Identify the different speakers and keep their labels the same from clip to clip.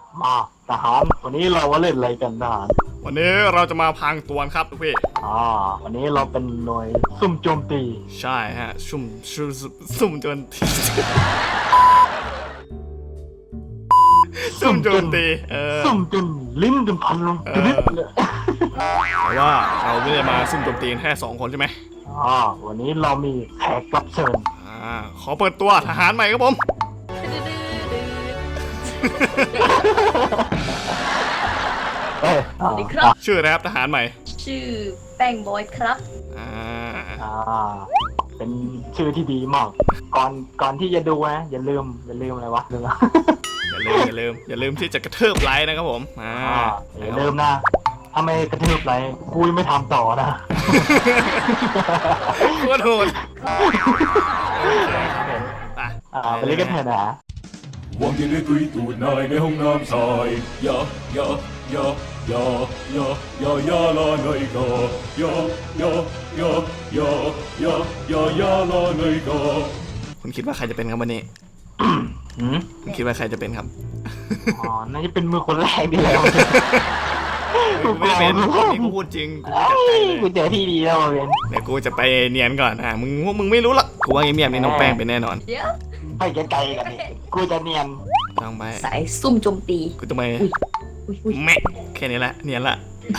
Speaker 1: มาทหารวันนี้เราว่าเล่นอะไรกันทหาร
Speaker 2: วันนี้เราจะมาพังตัวครับทุกพี่
Speaker 1: วันนี้เราเป็นหน่วยซุ่มโจมตี
Speaker 2: ใช่ฮะซุ่มโจมตีซุ่มโจมตี
Speaker 1: ซุ่มจนลิ้นจนพันลงนิดเลย
Speaker 2: แต่ว่าเราไม่ได้มาซุ่มโจมตีแค่2 คนใช่ไหม
Speaker 1: วันนี้เรามีแขกรับเชิญ
Speaker 2: ขอเปิดตัวทหารใหม่ครับผม
Speaker 3: สวัสดีครับ
Speaker 2: ชื่ออะไรครับทหารใหม่
Speaker 3: ชื่อแป้งบอยครับ
Speaker 1: เป็นชื่อที่ดีมากก่อนที่จะดูนะอย่าลืมอะไรวะ
Speaker 2: อย่าลืมที่จะกระเทิบไลค์นะครับผม
Speaker 1: อย่าลืมนะถ้าไม่กระเทิบไลค์กูไม่ทำต่อนะ
Speaker 2: โคตรโหด
Speaker 1: ไปเล่นกันเถอะนะ
Speaker 4: วางยังไงตุยตูดนายในห้องน้ำชายยาลาหน่อยก็ยาลาหน่อยก็
Speaker 2: คุณคิดว่าใครจะเป็นครับวันนี้คุณคิดว่าใครจะเป็นครับ
Speaker 1: น่าจะเป็นมือคนแรกดีแล้ว
Speaker 2: กูไม่เป็นนี่กูพูดจริง
Speaker 1: กูเจอที่ดีแล้วเว้ย
Speaker 2: เดี๋ยวกูจะไปเนียนก่อนมึงไม่รู้หรอกกูว่าเงียบๆนี่น้องแป้งเป็นแน่นอน
Speaker 1: ไปไกลๆกันดิกูจะเนียน
Speaker 2: ต้องไป
Speaker 3: สายซุ่มโจมตี
Speaker 2: กูต้องไปแม่แค่นี้แหละเนียนละ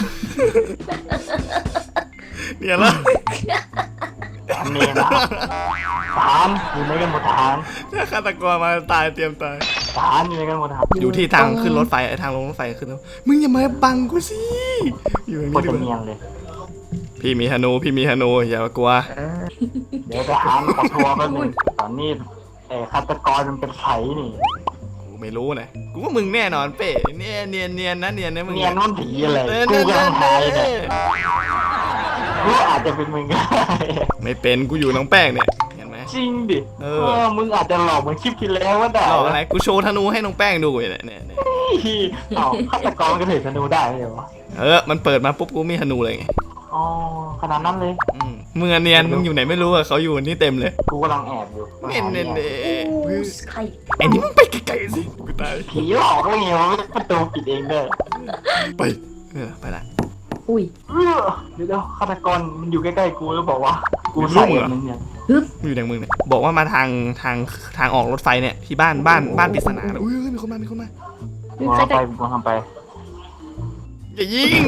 Speaker 2: เนียนละ
Speaker 1: เนียนละทหารอยู่ในกันหมดทหาร
Speaker 2: ถ้าฆาตกรมาตายเตรียมตาย
Speaker 1: ทหารอยู่ในกันหมดทหาร
Speaker 2: อยู่ที่ทางขึ้นรถไฟทางลงรถไฟขึ้นมึงอย่ามาบังกูสิอยู่อย่างนี้
Speaker 1: ดิเนียนเลย
Speaker 2: พี่มีธนูอย่ากลัว
Speaker 1: เดี๋ยวทหารขอทัวร์แป๊บนึงตอนนี้ฆาตกรมันเป็นไผ่นี่
Speaker 2: กูไม่รู้นะกูว่ามึงแน่นอนเป้เนียนนะมึง
Speaker 1: เนียนมันผีอะไรกูกำลังหายเนี่ยกูอาจจะเป็นมึงก็
Speaker 2: ไม่เป็นกูอยู่น้องแป้งเนี่ยเห็นไหม
Speaker 1: จริงดิมึงอาจจะหลอกเหมือนคลิปที่แล้วว่าได้
Speaker 2: หลอกอะไรกูโชว์ธนูให้น้องแป้งดูเนี่ย
Speaker 1: ฆาตกรก็ถือธนูได้เลยวะ
Speaker 2: มันเปิดมาปุ๊บกูมีธนูเลยไง
Speaker 1: ขนาดนั้นเลย
Speaker 2: มึงเนียนมึงอยู่ไหนไม่รู้อะเขาอยู่นี่เต็มเลย
Speaker 1: กูกำลังแอบอยู่
Speaker 2: เน่
Speaker 3: ใคร
Speaker 2: ไอ้นี่มึงไปไกลๆสิกูตาย
Speaker 1: ผีหลอกไม่เงี้ยประตูปิดเองเด้อ
Speaker 2: ไปละ
Speaker 1: เดี๋ยวฆาตกรมันอยู่ใกล้ๆกูแล้วบอกว่ากูใส่มึงเนี่ย
Speaker 2: อยู่ในมึงเนี่ยบอกว่ามาทางออกรถไฟเนี่ยที่บ้านปริศนามีคนมา
Speaker 1: กูทำไป
Speaker 2: อย่ายิง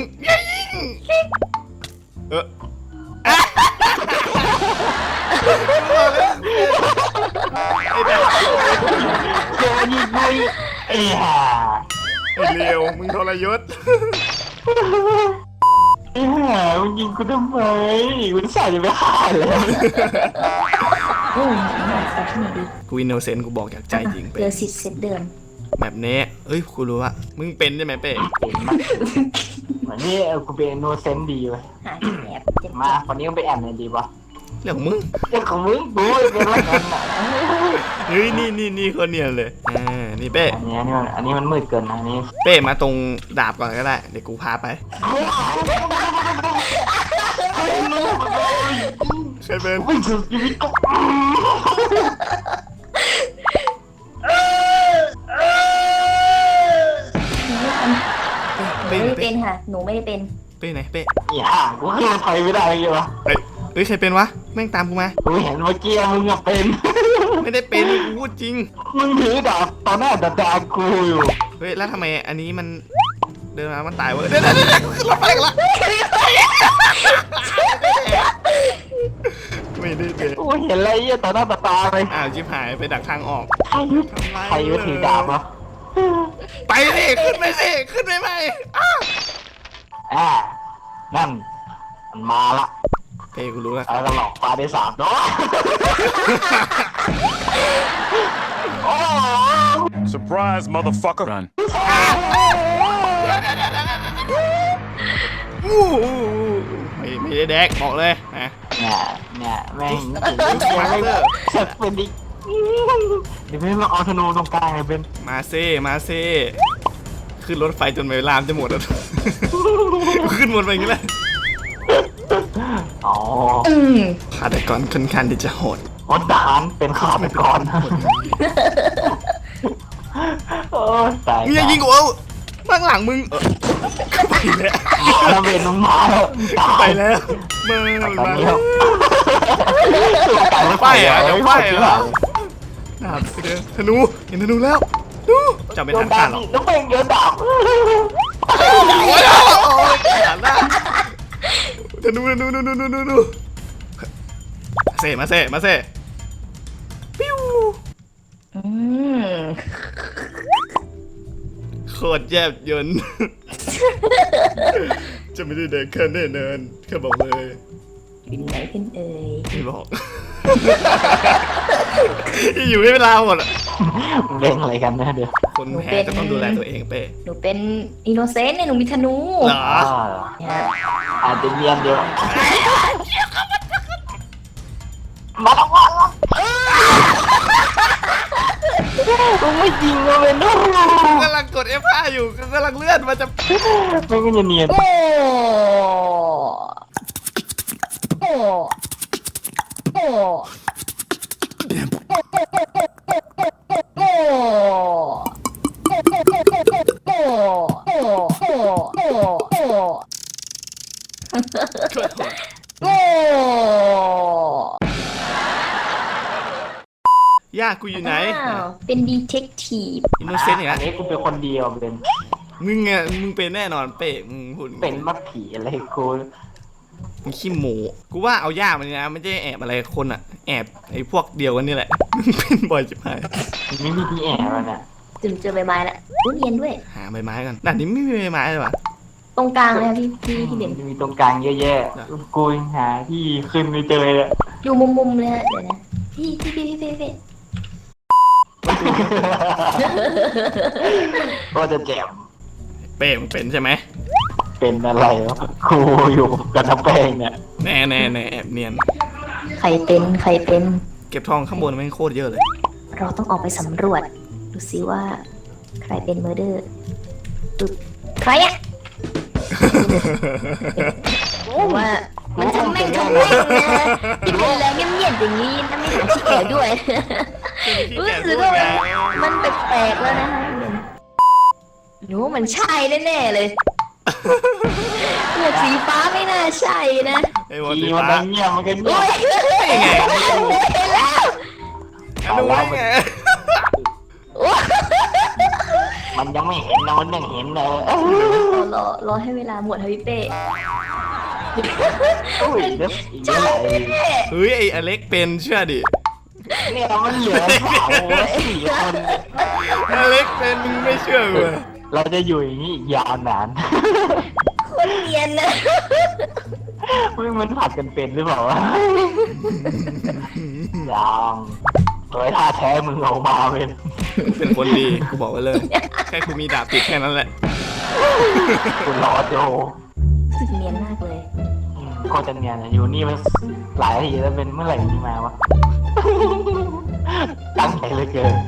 Speaker 1: เจอยิงไม่
Speaker 2: ไอ้เลี้ยวมึงทรยศ
Speaker 1: มึงยิงกูทำไมกูใส่ไม่ฆ่าเลย
Speaker 2: กูอินโนเซนต์กูบอกจากใจจริง
Speaker 3: เดือน10 เซตเดือน
Speaker 2: แบบนี้กูรู้ว่ามึงเป็นใช่ไหมเป้
Speaker 1: เหมือนนี่กูเป็นอินโนเซนต์ดีเว้ยมาวันนี้ก็ไปแอบในดีปะ
Speaker 2: เรื่องของมึง
Speaker 1: กูเป็นอะไรกันน่ะ
Speaker 2: นี่คนเนียนเลยนี่เป้
Speaker 1: อันนี้มันมืดเกินนะนี่
Speaker 2: เป้มาตรงดาบก่อนก็ได้เดี๋ยวกูพาไปใครเป็น
Speaker 3: ไม่เป็นค่ะหนูไม่ได้เป็น
Speaker 2: เป้ไหนเป้
Speaker 1: กูขึ้นไทยไม่ได้เลยวะ
Speaker 2: ใครเป็นวะแม่งตามกูมา
Speaker 1: กูเห็นเมื่อกี้มึงเป็น
Speaker 2: ไม่ได้เป็นกูพูดจริง
Speaker 1: มึงถือดาบตอนหน้าดากูอยู่
Speaker 2: แล้วทำไมอันนี้มันเดินมามันตายวะเดี๋ยวขึ้นรถไฟกันละไม่ได้เป็น
Speaker 1: กูเห็นอะไรต่อหน้าตาเลย
Speaker 2: ชิบหายไปดักทางออก
Speaker 1: ใครยุถือดาบวะ
Speaker 2: ไปสิขึ้นไปไหม
Speaker 1: นั่นมันมาละ
Speaker 2: เป้กูรู้แล้ว
Speaker 1: หลอกปลาได้3ตัว
Speaker 4: Surprise motherfucker
Speaker 2: ไม่ได้แดกบอกเลย
Speaker 1: เนี่ยแม่งจะเป็นดิเดี๋ยวไม่มาเอาธนูตรงกลางเลยเป็น
Speaker 2: มาเซ่ขึ้นรถไฟจนเวลาจะหมดแล้วขึ้นหมดไปอย่างนี้แหละฆาตกรค่อนข้างที่จะโหด
Speaker 1: ทหารเป็นฆาตกรโอ้ตาย
Speaker 2: มึงอย่ายิงกูเอาข้างหลังมึงไปแล้ว
Speaker 1: แล้วเบนมึงมาแล้วตาย
Speaker 2: ไปแล้วมา
Speaker 1: ตอน
Speaker 2: มา
Speaker 1: นี้ครับ
Speaker 2: ไปอ่ะจะไปเหรอดาบไปเดินธนูเห็นธนูแล้วดูจับไม่ทันขาดหรอก
Speaker 1: น้องเบนโยนดาบ
Speaker 2: โอ้ยขาดละธนูเซ่มาเซ่ปิ้ว
Speaker 3: อืม
Speaker 2: โคตรแยบยนต์ จะไม่ได้เดินแค่แน่นอนแค่บอกเลย
Speaker 3: อยู่ไหนกันเอ่ย
Speaker 2: ไม่บอก อยู่ให้เวลาหมดอะ
Speaker 1: มึงเล่นอะไรกันนะเดี๋ยว
Speaker 2: คนแพ้จะต้องดูแลตัวเองเป้
Speaker 3: หนูเป็นอินโนเซนต์เนี่ยหนูมีธนู
Speaker 2: เหรอ
Speaker 3: เนี่ย
Speaker 1: อาจจะเรียนเดียวมาแล้วมาแล้วมึงไม่จริงเลยเนาะ
Speaker 2: กำลังกด F5 อยู่กำลังเลื่อนมาจะ
Speaker 1: ไม่ก็จะเนียน
Speaker 3: โอ้โอ้โอ้โอ้โอ้
Speaker 2: ย่ากูอยู่ไหน
Speaker 3: อ้าวเป็นดีเทคทีฟ
Speaker 2: อินโนเซนต์อย่าง
Speaker 1: อั
Speaker 2: นั้น
Speaker 1: นนี้กูเป็นคนเดียวเป็น
Speaker 2: มึงเป็นแน่นอนเป้มึงหุ่น
Speaker 1: เป็นมัดผีอะไรกู
Speaker 2: มึงขี้หมูกูว่าเอาย่ามันนะไม่ใช่แอบอะไรคนอะแอบไอ้พวกเดียวกันนี่แหละ มึงเป็นบ่อยจิ๋หาย
Speaker 1: ไม่มีที่แอบแล้วน่ะ
Speaker 3: ถึงเจอใบไม้ละรู้เรียนด้วย
Speaker 2: หาใบไม้กันด่านนี้ไม่มีใบไม้เลยวะ
Speaker 3: ตรงกลางเลยค่ะพี่เด่น
Speaker 1: มีตรงกลางเยอะแยะกูยังหาที่ขึ้นไม่เจอเลย
Speaker 3: อยู่มุมเลยฮะเดี๋ยวนะพี่
Speaker 1: ก็จะแจม
Speaker 2: เป้มึงเป็นใช่ไหม
Speaker 1: เป็นอะไรวะครูอยู่กับน้ำแป้งเนี่ย
Speaker 2: แน่แอบเนียน
Speaker 3: ใครเป็น
Speaker 2: เก็บทองข้างบนไม่งโคตรเยอะเลย
Speaker 3: เราต้องออกไปสำรวจ ดูซิว่า ใครเป็นเมอร์เดอร์ปึ๊บใครอะว่ามันทำแม่งนะที่เป็นแรงเงียบๆอย่างนี้ถ้าไม่หาที่แอบด้วย รู้สึกว่ามันแปลกๆแล้วนะฮะหนูมันใช่แน่ๆเลยเลือดสีฟ้าไม่น่าใช่นะ
Speaker 2: ไอ้วอล
Speaker 1: ที
Speaker 2: สี
Speaker 1: มัน
Speaker 2: ฟ้า
Speaker 1: เงียบมันก็เงี
Speaker 3: โอ้
Speaker 1: ยบ
Speaker 3: ยเห็นแล้ว
Speaker 2: ดูได้ไง
Speaker 1: มันยังไม่เห็นนะมันยังเห็นเลย
Speaker 3: รอให้เวลาหมดฮะพี่เป้
Speaker 1: อุ้ยเดี๋ยวอีกเมื่อไหร่
Speaker 2: เฮ้ยไอ้อเล็กเป็นเชื่อดิ
Speaker 1: เนี่ยมันเหลือสาวสี่คน
Speaker 2: อเล็กเป็นมึงไม่เชื่อกูเลย
Speaker 1: เราจะอยู่อย่างนี้อีกยาวนาน
Speaker 3: คนเนียนนะ
Speaker 1: มันผัดกันเป็นหรือเปล่าวะยังโดยท่าแท้มึงออกมาเป็น
Speaker 2: เป็นคนดีกูบอกไว้เลย แค่กูมีดาบติดแค่นั้นแหละ
Speaker 1: คุณรอโจ
Speaker 3: รู้สึกเนียนมากเลย
Speaker 1: ก็จะเนี่ยนะอยู่นี่มันหลายทีแล้วเป็นเมื่อไหร่ที่มาวะ ตั้งใจเหลยเกิน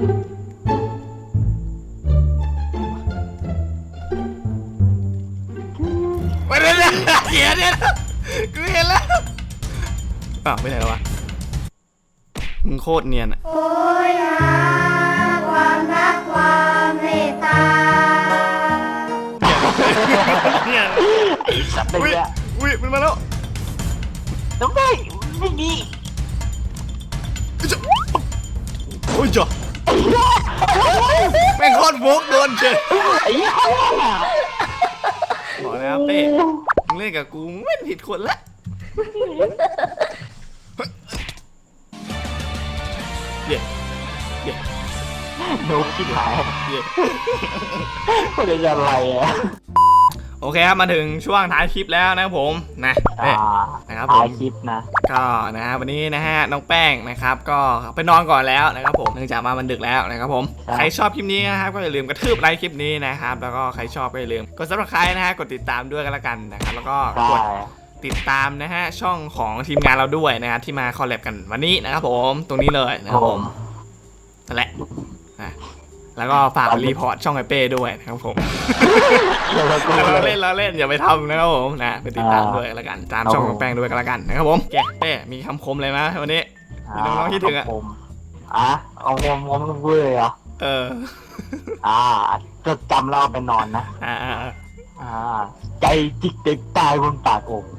Speaker 2: ไปเลยนะเขียนเนี่ยกูเห็นแล้วอ้าวไปไหนแล้ววะมึงโคตรเนียนอะ
Speaker 5: โอ้ยหาความรักความเมตตา
Speaker 2: เนียน
Speaker 1: ไอ้สัตว์เลย
Speaker 2: อุ้ย
Speaker 1: เนี่ย
Speaker 2: อุ้ยมันมาแล้ว
Speaker 1: น้องได้ไม่ดี
Speaker 2: โอ้ยจ่อแม่งโคตรโวกโดนเฉย
Speaker 1: ไอ้ห่า
Speaker 2: บอกแล้วเป้มึงเล่นกับกูมึงไม่ผิดคนละเย่เย่
Speaker 1: โนคิดหลาย
Speaker 2: เย่
Speaker 1: คนจะอะไรอ่ะ
Speaker 2: โอเคครับมาถึงช่วงท้ายคลิปแล้วนะครับผมนะเป้นะครับผม
Speaker 1: ถ่ายคลิปนะ
Speaker 2: ก็นะฮะวันนี้นะฮะน้องแป้งนะครับก็ไปนอนก่อนแล้วนะครับผมเนื่องจากมามันดึกแล้วนะครับผมใครชอบคลิปนี้นะครับก็อย่าลืมกระทืบไลค์คลิปนี้นะครับแล้วก็ใครชอบก็อย่าลืมกด Subscribe นะฮะกดติดตามด้วยกันละกันนะครับแล้วก็
Speaker 1: ใช่
Speaker 2: กดติดตามนะฮะช่องของทีมงานเราด้วยนะครับที่มาคอลแลบกันวันนี้นะครับผมตรงนี้เลยนะครับผมนั่นแหละนะแล้วก็ฝากรีพอร์ตช่องไอเป้ด้วยนะครับผม เราเล่นอย่าไปทำนะครับผมนะไปติดตามด้วยกันละกันตามช่องของแป้งด้วยกันละกันนะครับผมแกเป้มีคำคมอะไรไหมวันนี้ มีน้องๆคิดถึงอะ
Speaker 1: เอาผมต้องพูดเลยเหรอ
Speaker 2: เออ
Speaker 1: จดจำเราไปนอนนะ
Speaker 2: อ่า
Speaker 1: ใจจิกเด็กตายบนปากโอ่ง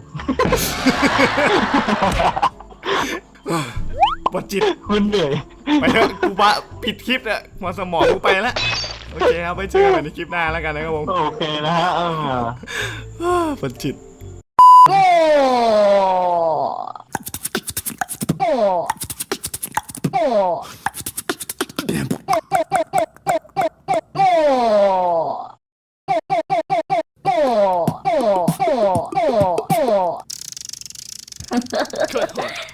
Speaker 2: บทจิต
Speaker 1: คุณเหนื่อย
Speaker 2: ไปเถอะกูว่าผิดคลิปอะหัวสมองกูไปแล้วโอเคครับไปเจอกันในคลิปหน้าแล้วกันนะครับผม
Speaker 1: โอเคนะฮะ
Speaker 2: บทจิต
Speaker 3: โอ้โอ้โอ้โอ้
Speaker 2: โ